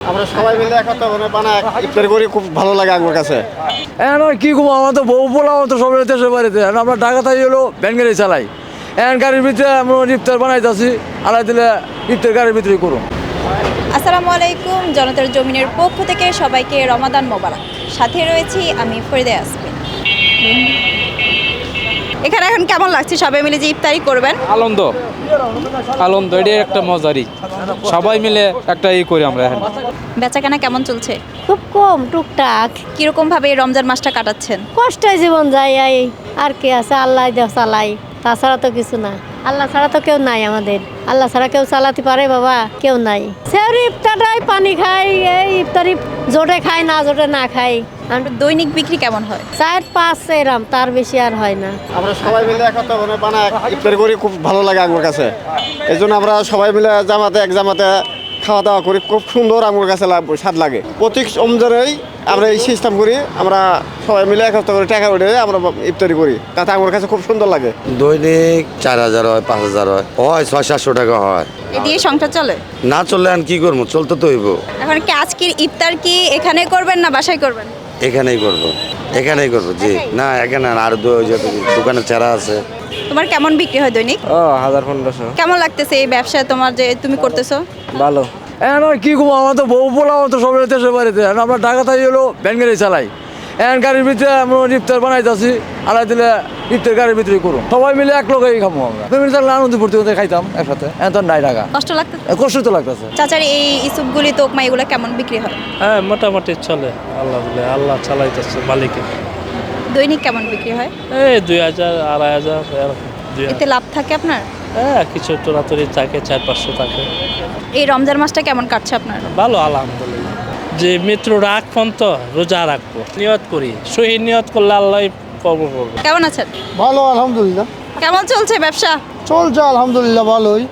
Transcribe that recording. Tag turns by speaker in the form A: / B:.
A: আমরা সবাই মিলে একত্রে বানায় ইফতারি করি, খুব ভালো লাগে আমার কাছে।
B: এখন আর কি করবো, আমার তো বউ পোলা তো সব দেশের বাড়িতে, আমরা ঢাকা তাই হলো ভ্যান গাড়ি চালাই। এখন গাড়ির ভিতরে আমরা ইফতার বানাইতেছি, আলাই দিলে ইফতার গাড়ির ভিতরে করুন।
C: আসসালামু আলাইকুম, জনতার জমিনের পক্ষ থেকে সবাইকে রমাদান মোবারক। সাথে রয়েছি আমি ফরিদা ইয়াসমিন। এখানে এখন কেমন লাগছে সবাই মিলে যে ইফতারি করবেন?
D: আনন্দ আনন্দ, এটাই একটা মজারই, সবাই মিলে একটা করি আমরা। এখন
C: বেচাকেনা কেমন চলছে?
E: খুব কম, টুকটাক।
C: কিরকম ভাবে এই রমজান মাসটা কাটাচ্ছেন?
E: কষ্টে জীবন যায়, এই আর কি আছে, আল্লাহ দেহ চালাই, তাছাড়া তো কিছু না। আল্লাহ ছাড়া তো কেউ নাই আমাদের, আল্লাহ ছাড়া কেউ চালাতে পারে বাবা? কেউ নাই। সেহরি ইফতারটাই পানি খাই, এই ইফতারি জোটে খাই, না জোটে না খাই।
C: দৈনিক বিক্রি কেমন হয়?
E: 4-5 এরম, তার বেশি আর হয় না।
A: আমরা সবাই মিলে একত্রে বানায় ইফতারি করি, খুব ভালো লাগে আমার কাছে। এই জন্য আমরা সবাই মিলে এক জামাতে খাওয়া দাওয়া করি, খুব সুন্দর আমার কাছে স্বাদ লাগে। প্রতি রমজানেই আমরা এই সিস্টেম করি, আমরা সবাই মিলে একত্রে করে টাকা উঠে আমরা ইফতারি করি, তাতে আমার কাছে খুব সুন্দর লাগে।
F: দৈনিক 4000 হয়, 5000 হয়, 600-700 টাকা হয়।
C: এ দিয়ে সংসার চলে?
F: না চললে আর কি করবো, চলতে তো হইব।
C: এখন কি আজকের ইফতার কি এখানে করবেন না বাসায় করবেন?
F: এখানেই করবো, এখানেই করবো জি। না এখানে আর দোকানে চারা আছে।
C: তোমার কেমন বিক্রি হয় দৈনিক?
B: 1000-1500।
C: কেমন লাগতেছে এই ব্যবসা তোমার যে তুমি করতেছো?
B: ভালো। এখন আর কি করবো, আমার তো বউ পোলা তো সব দেশের বাড়িতে, আমরা ঢাকা তাই হলো ভ্যান গাড়ি চালাই। এখন গাড়ির ভিতরে আমরা ইফতার বানাইতেছি, আলাই দিলে ইফতার গাড়ির ভিতরে করুন। সবাই মিলে এক লোকেই খাবো আমরা, ফ্যামিলি থাকলে আনন্দ ফুর্তি করতে খাইতাম একসাথে। এখন তো নাই টাকা,
C: কষ্ট লাগতেছে?
B: কষ্ট তো লাগতেছে।
C: চাচার এই ইসুপগুলি তোকমা এগুলো কেমন বিক্রি হয়?
G: হ্যাঁ মোটামুটি চলে, আল্লাহ চালাইতেছে মালিকে।
C: দৈনিক কেমন বিক্রি হয়?
G: এই 2000-2500 এরকম।
C: এতে লাভ থাকে আপনার?
G: হ্যাঁ কিছু তোরাতরি থাকে, 400-500 থাকে।
C: এই রমজান মাসটা কেমন কাটছে আপনার?
G: ভালো আলহামদুলিল্লাহ। যে মৃত্যু রাখ পর্যন্ত রোজা রাখবো, নিয়ত করি, শহীদ নিয়ত করলে আল্লাহ কবুল করবে।
C: কেমন আছেন?
A: ভালো, আলহামদুলিল্লাহ।
C: কেমন চলছে ব্যবসা?
A: চলছে আলহামদুলিল্লাহ, ভালোই।